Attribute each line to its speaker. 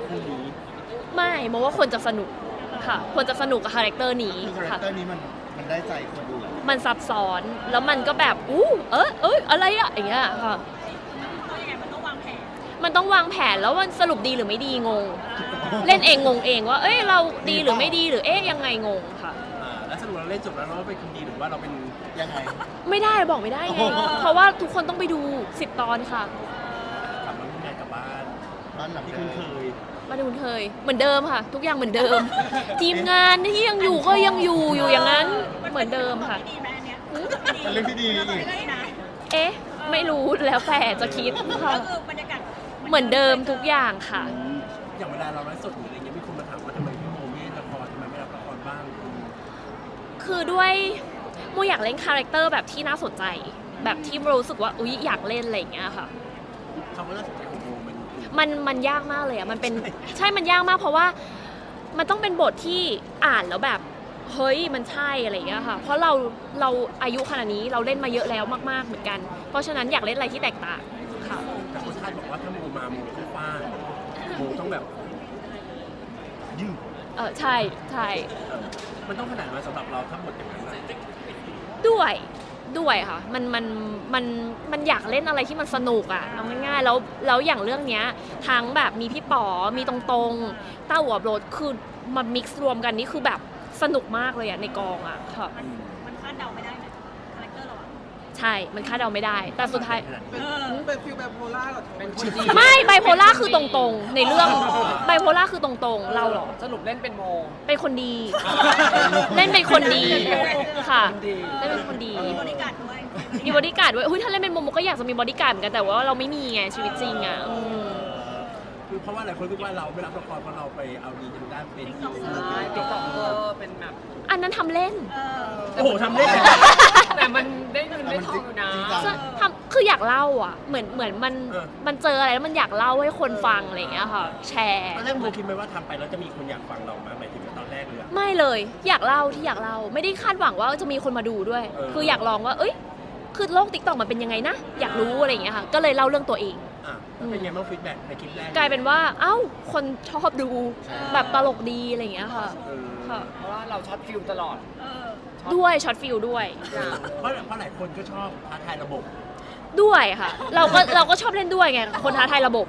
Speaker 1: คู่นี้
Speaker 2: ไม่โมว่าคนจะสนุกค่ะคนจะสนุกกับคาแรคเตอร์นี้
Speaker 1: คือคาแรค
Speaker 2: ค่ะ
Speaker 1: เตอร์นี้มันได้ใจคนดู
Speaker 2: มันซับซ้อนแล้วมันก็แบบอะไรอะอย่างเงี้ยค่ะมันต้องวางแผนแล้วมันสรุปดีหรือไม่ดีงง เล่นเองงงเองว่าเราดีหรือไม่ดีหรือยังไงงงค่ะ
Speaker 3: แล้วสรุปเราเล่นจบแล้วเราเป็นคนดีหรือว่าเราเป็น
Speaker 1: ยังไง
Speaker 2: ไม่ได้บอกไม่ได้ไง
Speaker 1: โอ้โห
Speaker 2: เพราะว่าทุกคนต้องไปดู10 ตอนค่ะ
Speaker 3: กลับมาทำงานกลับบ้าน
Speaker 1: บ้านหลัง
Speaker 3: ที่
Speaker 1: ที่
Speaker 3: คุ
Speaker 1: คุณ ณ
Speaker 3: เค
Speaker 1: เคย
Speaker 3: ย
Speaker 2: มาดูเคยเหมือนเดิมค่ะ ทุกอย่างเหมือนเดิม ทีมงานที่ยังอยู่ก็ยังอยู่อย่างนั้นเหมือนเดิมค่ะ
Speaker 1: เป็นเรื่องที่ดีอีก
Speaker 2: ไม่รู้แล้วแต่จะคิดค่ะเหมือนเดิมทุกอย่างค่ะ
Speaker 3: อย่างเวลาเราไลฟ์สดหรืออะไรเงี้ยมีคนมาถามว่าทำไมพี่โมไม่เล่นละครทำไมไม่รับละครบ้าง
Speaker 2: คือด้วยโมอยากเล่นคาแรคเตอร์แบบที่น่าสนใจ แบบที่โมรู้สึกว่าอุ๊ยอยากเล่นอะไรอย่างเงี้ยค่ะ
Speaker 3: คำว่าน่าสนใจของโมมัน
Speaker 2: มันยากมากเลยอ่ะมันเป็นใช่มันยากมากเพราะว่ามันต้องเป็นบทที่อ่านแล้วแบบเฮ้ยมันใช่อะไรอย่างเงี้ยค่ะเพราะเราอายุขนาดนี้เราเล่นมาเยอะแล้วมากๆเหมือนกัน เพราะฉะนั้นอยากเล่นอะไรที่แตกต่างค่ะ
Speaker 3: แต่คนคาดบอกว่าถ้าโมมาโมต้องฟาดโมต้องแบบยืด
Speaker 2: ใช่ใช่
Speaker 3: มันต้องขนาดนั้นสำหรับเราถ้าหมดอย่างนั้นอะ
Speaker 2: ด้วยค่ะมันอยากเล่นอะไรที่มันสนุกอ่ะเอาง่ายๆแล้วอย่างเรื่องเนี้ยทั้งแบบมีพี่ป๋อมีตรงๆต้าหัวโบรดคือมามิกซ์รวมกันนี่คือแบบสนุกมากเลยอ่ะในกองอ่ะค่ะ
Speaker 4: มันคาดเดาไม่ได้นะคาแรคเตอร์เราอะ
Speaker 2: ใช่มันคาดเดาไม่ได้ แต่สุดท้าย
Speaker 5: เป็นฟิลแบบโพล่าเหรอเป็นคนดี
Speaker 2: ไม่ไบโพล่าคือตรงๆ ในเรื่องไบโพล่าคือตรงๆ เราเหรอ
Speaker 5: สรุปเล่นเป็นโม
Speaker 2: เป็นคนดี เล่นเป็นคนดีค่ะเล่นเป็นคนดี
Speaker 4: มีบริการด้วย
Speaker 2: มีบอดี้การ์ดด้วยถ้าเล่นเป็นโมโมก็อยากจะมีบอดี้การ์ดเหมือนกันแต่ว่าเราไม่มีไงชีวิตจริงอ่ะ
Speaker 3: คือเพราะว่าหลายคนคิดว่าเราไม่รับละครเพราะเราไปเอาดีทางด้านเป็น
Speaker 5: ติ๊กต็อกเกอร์เป็นแบบ
Speaker 2: อันนั้นทำเล่น
Speaker 3: โอ้โหทำได้เลย
Speaker 5: แต่มันได้เงินได้ทองอยู่นะ
Speaker 1: จริงจัง
Speaker 2: คืออยากเล่าอ่ะเหมือนมันเจออะไรแล้วมันอยากเล่าให้คนฟังอะไรอย่างเงี้ยค่ะ แชร์
Speaker 3: ตอนแรกโมคิดไหมว่าทำไปแล้วจะมีคนอยากฟังเราไหมหมายถึงว่าตอนแรกเลยอะ
Speaker 2: ไม่เลยอยากเล่าที่อยากเล่าไม่ได้คาดหวังว่าจะมีคนมาดูด้วย คืออยากลองว่าคือโลกติ๊กต็อกมันเป็นยังไงนะอยากรู้อะไรอย่างเงี้ยค่ะก็เลยเล่าเรื่องตัวเอง
Speaker 3: แล้วเป็นไงบ้างฟีดแบ็กในคลิปแรก
Speaker 2: กลายเป็นว่าคนชอบดูแบบตลกดีอะไรอย่างเงี้ยค่ะค่ะ
Speaker 5: เพราะว่าเราช็อตฟิลตลอด
Speaker 2: ด้วยช็อตฟิลด้วย
Speaker 3: เพราะหลายคนก็ชอบท้าทายระบบ
Speaker 2: ด้วยค่ะ เราก็ชอบเล่นด้วยไงคนท้าทายระบบ